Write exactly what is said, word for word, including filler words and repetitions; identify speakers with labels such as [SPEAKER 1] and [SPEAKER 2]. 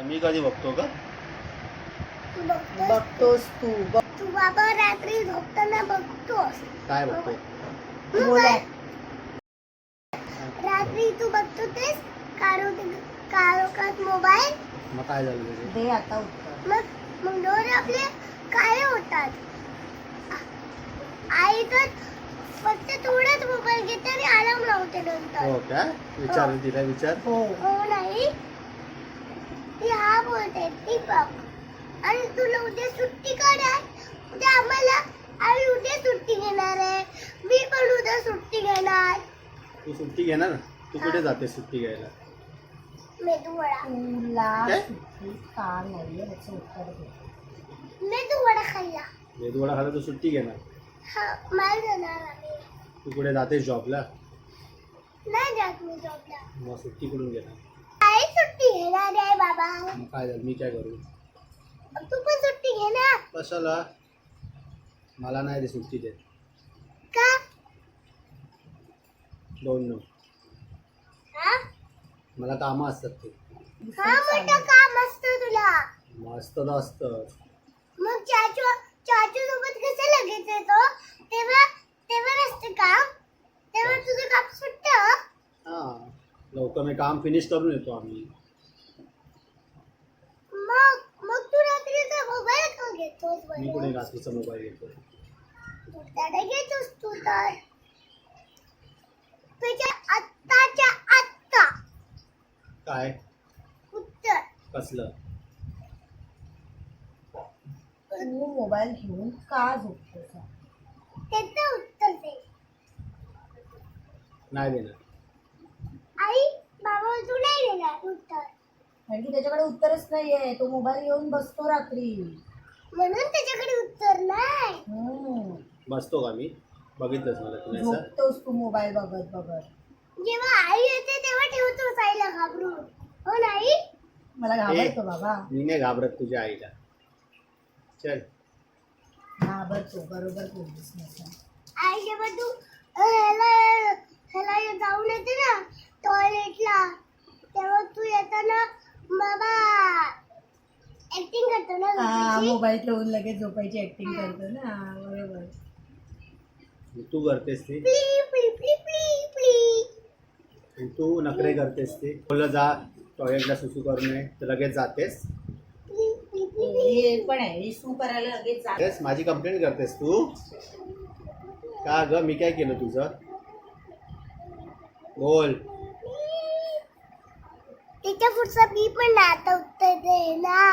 [SPEAKER 1] मी कधी बघतो का?
[SPEAKER 2] बघतोस तू बघ.
[SPEAKER 3] तू बाबा रात्री झोपताना बघतोस.
[SPEAKER 1] काय बघतो?
[SPEAKER 2] बोला.
[SPEAKER 3] रात्री तू बघतो तेच कारोकात मोबाईल.
[SPEAKER 1] मग काय झालं त्याचे?
[SPEAKER 2] दे आता उत्तर.
[SPEAKER 3] मग मग डोळे आपले काळे होतात. आई तर फक्त थोडाच मोबाईल घेते आणि अलार्म लावते नंतर.
[SPEAKER 1] हो का? विचार तिला विचार.
[SPEAKER 2] हो
[SPEAKER 3] हो नाही ती हा बोलते ती बघ. आणि तुला उद्या सुट्टी काढाय. उद्या आम्हाला आई उद्या सुट्टी घेणार आहे. मी पण उद्या सुट्टी घेणार.
[SPEAKER 1] तू सुट्टी घेणार ना? तू कुठे जाते सुट्टी घ्यायला?
[SPEAKER 3] मेदू वडा.
[SPEAKER 2] तुला
[SPEAKER 1] काय?
[SPEAKER 2] सुट्टी का नाहीये याचं उत्तर दे.
[SPEAKER 3] मेदू वडा खाल्ला.
[SPEAKER 1] मेदूवडा खाला तू सुट्टी घेणार?
[SPEAKER 3] हा माल जाणार आम्ही.
[SPEAKER 1] तू कुठे जातेस जॉबला?
[SPEAKER 3] नाही जात मी जॉबला.
[SPEAKER 1] मग सुट्टी कुठून घेणार?
[SPEAKER 3] आई सुट्टी घेणार आहे बाबा.
[SPEAKER 1] मग काय झालं? मी काय करू?
[SPEAKER 3] तू पण सुट्टी घे ना.
[SPEAKER 1] कशाला? मला नाही रे सुट्टी देत.
[SPEAKER 3] का?
[SPEAKER 1] दोन नो.
[SPEAKER 3] हा?
[SPEAKER 1] मला कामं असतात ते.
[SPEAKER 3] हा मोठं काम असतं तुला.
[SPEAKER 1] मस्त असतं.
[SPEAKER 3] मग चाचू चाचू सोबत कसं लगेच येतो? तेव्हा तेव्हा नसतं काम. तेव्हा तुझं काम सुटतं.
[SPEAKER 1] हां, लवकर मी काम फिनिश करून येतो आम्ही.
[SPEAKER 3] मग मग तू रात्रीचा मोबाईल का घेतोस
[SPEAKER 1] मी कुठे
[SPEAKER 3] बरं?
[SPEAKER 1] रात्रीचा मोबाईल घेतो?
[SPEAKER 3] त्याने घेतोस तू तर. तुझ्या आत्ताच्या आत्ता
[SPEAKER 1] काय?
[SPEAKER 3] उत्तर.
[SPEAKER 1] कसलं?
[SPEAKER 2] तू मोबाईल घेऊन का झोपतोस?
[SPEAKER 3] त्याचं उत्तर दे.
[SPEAKER 1] नाही देणार.
[SPEAKER 3] आई बाबा तू नाही देणार उत्तर.
[SPEAKER 2] कारण की त्याच्याकडे उत्तरच नाहीये. तो मोबाईल घेऊन बसतो रात्री.
[SPEAKER 3] म्हणून त्याच्याकडे उत्तर नाही.
[SPEAKER 2] हम्म.
[SPEAKER 1] बसतो का मी? बघितलंच मला तुम्ही असं.
[SPEAKER 2] झोपतोस तू मोबाईल बघत बघत.
[SPEAKER 3] जेव्हा आई येते तेव्हा ठेवतोस आईला घाबरून. हो नाही?
[SPEAKER 2] मला घाबरतो बाबा.
[SPEAKER 1] मी नाही घाबरत तुझ्या आईला. चल.
[SPEAKER 2] घाबरतो बरोबर बोललीस माझं.
[SPEAKER 3] आई जेव्हा तू अ, ह्याला ह्याला जाऊन येते ना टॉयलेटला तेव्हा तू येताना बाबा ऍक्टिंग करतो ना
[SPEAKER 2] हा
[SPEAKER 3] झोपायची.
[SPEAKER 2] मोबाईल ठेवून लगेच झोपायची ऍक्टिंग करतो ना. हा, बरोबर.
[SPEAKER 1] तू करतेस ते.
[SPEAKER 3] प्ली प्ली प्ली प्ली प्ली.
[SPEAKER 1] आणि तू नखरे करतेस ते. बोललं जा टॉयलेटला सुसू करू नये तर लगेच जातेस.
[SPEAKER 3] प्ली प्ली प्ली प्ली.
[SPEAKER 2] हे पण आहे हे सू करायला लगेच जा.
[SPEAKER 1] तेच माझी कंप्लेंट करतेस तू. का ग? मी काय केलं तुझं? बोल.
[SPEAKER 3] त्याच्या पुढचा मी पण ना आता उत्तर दे ना.